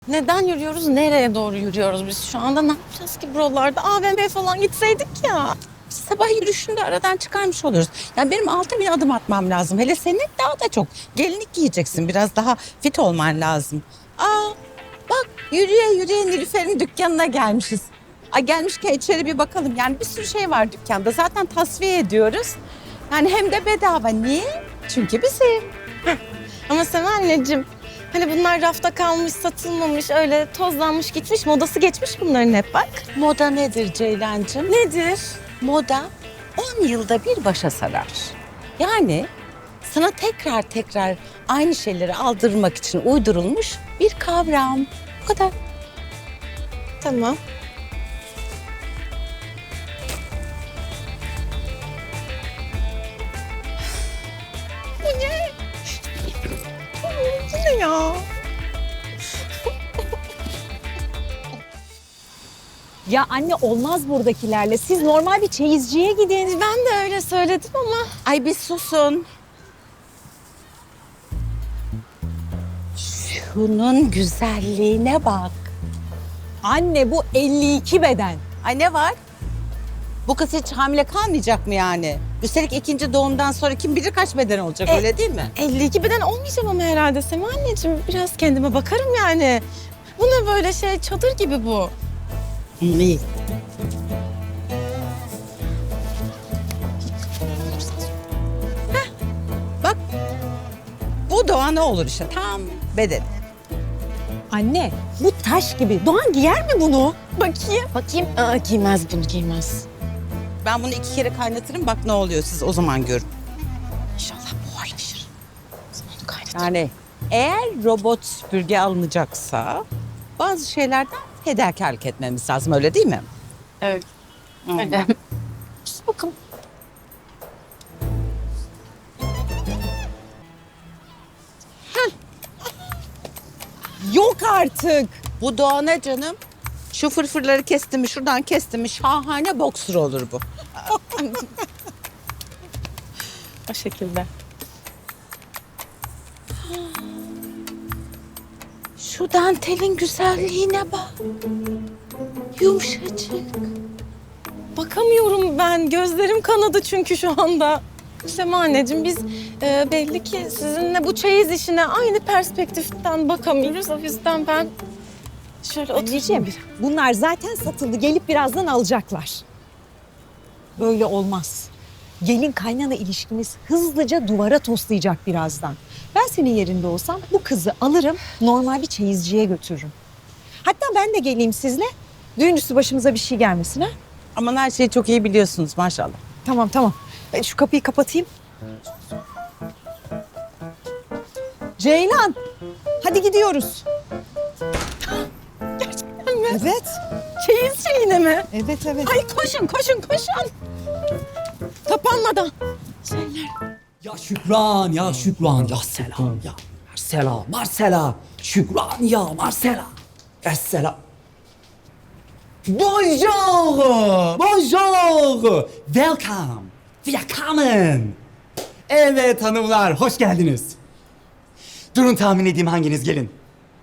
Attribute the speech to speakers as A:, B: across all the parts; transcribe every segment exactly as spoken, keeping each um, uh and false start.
A: Neden yürüyoruz? Nereye doğru yürüyoruz biz şu anda? Ne yapacağız ki buralarda? A V M falan gitseydik ya.
B: Sabah yürüyüşünde aradan çıkarmış oluruz. Yani benim altı bin adım atmam lazım. Hele senin daha da çok. Gelinlik giyeceksin. Biraz daha fit olman lazım. Aa, bak yürüye yürüye Nilüfer'in dükkanına gelmişiz. Ay gelmişken içeri bir bakalım. Yani bir sürü şey var dükkanda. Zaten tasfiye ediyoruz. Yani hem de bedava. Niye? Çünkü bizim.
A: Ama Sema anneciğim, hani bunlar rafta kalmış, satılmamış, öyle tozlanmış gitmiş, modası geçmiş bunların hep bak.
B: Moda nedir Ceylancığım?
A: Nedir?
B: Moda on yılda bir başa sarar. Yani sana tekrar tekrar aynı şeyleri aldırmak için uydurulmuş bir kavram. Bu kadar.
A: Tamam. Bu ne? Bu ne ya?
C: Ya anne olmaz buradakilerle. Siz normal bir çeyizciye gidin.
A: Ben de öyle söyledim ama
B: Ay bir susun. Şunun güzelliğine bak.
C: Anne bu elli iki beden.
B: Ay ne var? Bu kız hiç hamile kalmayacak mı yani? Üstelik ikinci doğumdan sonra kim bilir kaç beden olacak
A: E-
B: öyle değil mi?
A: elli iki beden olmayacağım ama herhalde Sema anneciğim. Biraz kendime bakarım yani. Bu ne böyle şey, çadır gibi bu.
B: İyi. Heh, bak bu Doğa ne olur işte tam beden.
C: Anne bu taş gibi. Doğan giyer mi bunu?
A: Bakayım. Bakayım. Aa, giymez bunu, giymez.
B: Ben bunu iki kere kaynatırım bak ne oluyor siz o zaman görün.
A: İnşallah buharlaşır. O zaman onu kaynatırım.
B: Yani eğer robot süpürge alınacaksa bazı şeylerden fedakarlık etmemiz lazım öyle değil mi?
A: Evet. Öyle. Sus bakalım.
B: Yok artık. Bu Doğa ne canım? Şu fırfırları kesti mi şuradan kesti mi şahane boksur olur bu.
A: O şekilde.
B: Şu dantelin güzelliğine bak. Yumuşacık.
A: Bakamıyorum ben. Gözlerim kanadı çünkü şu anda. Sema anneciğim biz e, belli ki sizinle bu çeyiz işine aynı perspektiften bakamıyoruz. O yüzden ben şöyle oturayım.
C: Anneciğim bunlar zaten satıldı. Gelip birazdan alacaklar. Böyle olmaz. Gelin kaynana ilişkimiz hızlıca duvara toslayacak birazdan. Ben senin yerinde olsam bu kızı alırım, normal bir çeyizciye götürürüm. Hatta ben de geleyim sizle. Düğün üstü başımıza bir şey gelmesin ha.
B: Aman her şeyi çok iyi biliyorsunuz maşallah.
C: Tamam tamam. Ben şu kapıyı kapatayım. Ceylan, hadi gidiyoruz.
A: Gerçekten mi?
C: Evet,
A: Çeyiz şeyine mi?
C: evet, evet.
A: Ay koşun koşun koşun. Kapanmadan. Şeyler.
D: Ya Şükran, ya Şükran, ya selam, ya Marcela, Marcela, Şükran, ya Marcela, Esselam. Bonjour, bonjour, welcome, willkommen. Evet hanımlar, hoş geldiniz. Durun tahmin edeyim hanginiz gelin.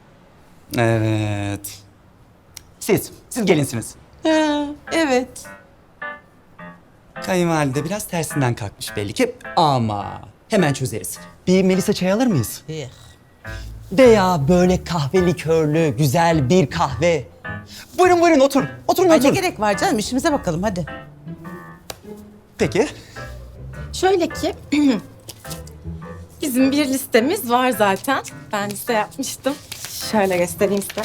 D: Evet. Siz, siz gelinsiniz.
B: Ha, evet.
D: Kayınvalide biraz tersinden kalkmış belli ki ama hemen çözeriz. Bir Melisa çay alır mıyız?
B: İyi.
D: Veya böyle kahve likörlü güzel bir kahve. Buyurun buyurun otur. Oturun
B: Ay ne
D: oturun.
B: gerek var canım işimize bakalım hadi.
D: Peki.
A: Şöyle ki bizim bir listemiz var zaten. Ben liste yapmıştım. Şöyle göstereyim size.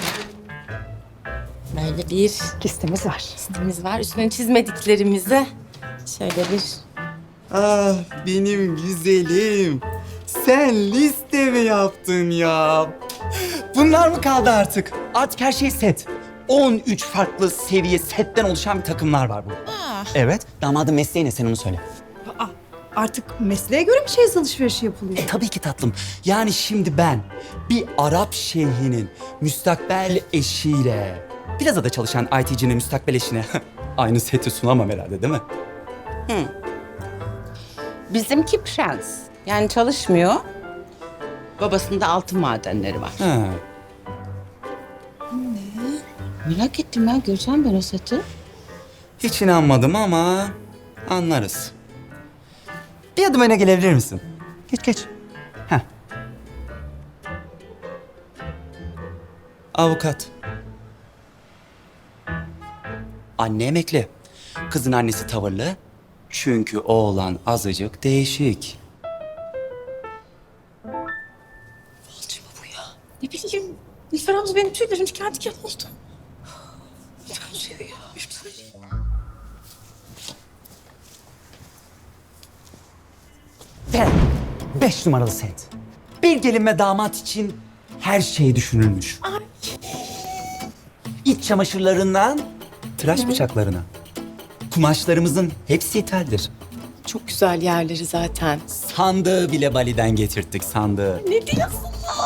A: Böyle bir
C: Listemiz var.
A: listemiz var. Üstüne çizmediklerimizi şöyle bir...
D: Ah benim güzelim. Sen liste mi yaptın ya? Bunlar mı kaldı artık? Artık her şey set. on üç farklı seviye setten oluşan bir takımlar var burada.
B: Ah.
D: Evet. Damadın mesleği ne sen onu söyle.
C: Aa, artık mesleğe göre mi çeyiz alışverişi yapılıyor?
D: E tabii ki tatlım. Yani şimdi ben bir Arap şeyhinin müstakbel eşiyle plazada çalışan I T'cinin müstakbel eşine aynı seti sunamam herhalde değil mi?
B: Bizimki prens. Yani çalışmıyor. Babasında altın madenleri var.
D: Ha.
B: Merak ettim ya. Göreceğim ben o seti.
D: Hiç inanmadım ama anlarız. Bir adım öne gelebilir misin? Geç geç. Heh. Avukat. Anne emekli. Kızın annesi tavırlı. Çünkü oğlan azıcık değişik.
A: Ne bileyim. Nilüfer abla benim tüylerim diken diken oldu.
D: Ve beş numaralı set. Bir gelin ve damat için her şey düşünülmüş. İç çamaşırlarından tıraş bıçaklarına. Kumaşlarımızın hepsi ithaldir.
A: Çok güzel yerleri zaten.
D: Sandığı bile Bali'den getirttik sandığı.
A: Ne diyorsun?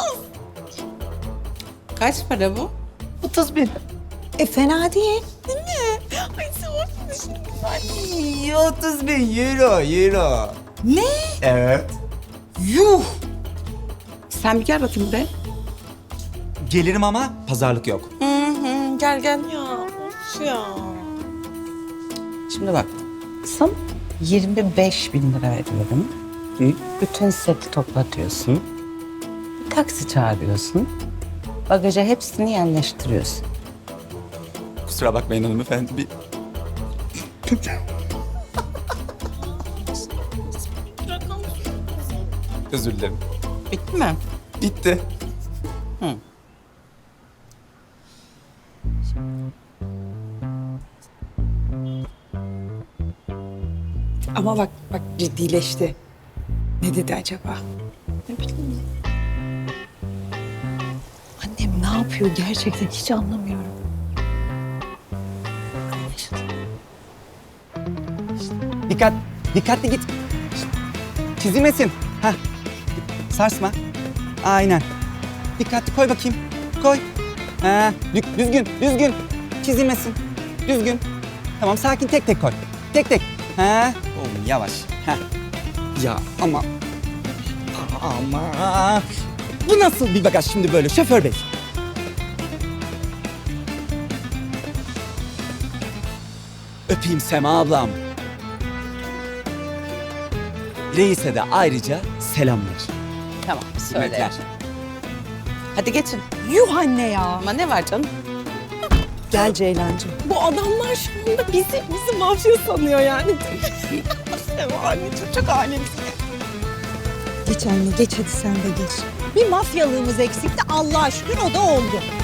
B: Kaç para bu?
D: otuz bin.
C: E fena değil.
A: Ay sen güzel.
D: otuz bin euro, euro.
B: Ne?
D: Evet.
B: Yuh! Sen bir gel bakayım be.
D: Gelirim ama pazarlık yok.
B: Hı hı, gel gel.
A: Ya of ya.
B: Şimdi bak. Sana yirmi beş bin lira veriyorum.
D: Hı?
B: Bütün seti toplatıyorsun. Bir taksi çağırıyorsun. Bagaja hepsini yerleştiriyorsun.
D: Kusura bakmayın hanımefendi. Bir... Özür dilerim.
B: Bitti mi?
D: Bitti.
C: Ama bak bak ciddileşti. Ne dedi acaba? Ne bileyim. Annem ne yapıyor gerçekten hiç anlamıyorum.
D: Dikkat, dikkatli git. Çizilmesin. Heh. Sarsma. Aynen. Dikkatli koy bakayım. Koy. Ha, dü- düzgün, düzgün. Çizilmesin. Düzgün. Tamam, sakin tek tek koy. Tek tek. Ha. Oğlum yavaş. Heh. Ya ama... Ama... Bu nasıl bir bagaj şimdi böyle şoför bey? Öpeyim Sema ablam. Reis'e de ayrıca selamlar.
B: Tamam
D: Hürmetler.
B: söyle. Hadi geçin.
C: Yuh anne ya.
B: Ama ne var canım?
C: Gel Ceylancığım.
A: Bu adamlar şu anda bizi, bizi mafya sanıyor yani. Sema anneciğim çok alemsin.
C: Geç anne geç hadi sen de geç. Bir mafyalığımız eksikti Allah'a şükür o da oldu.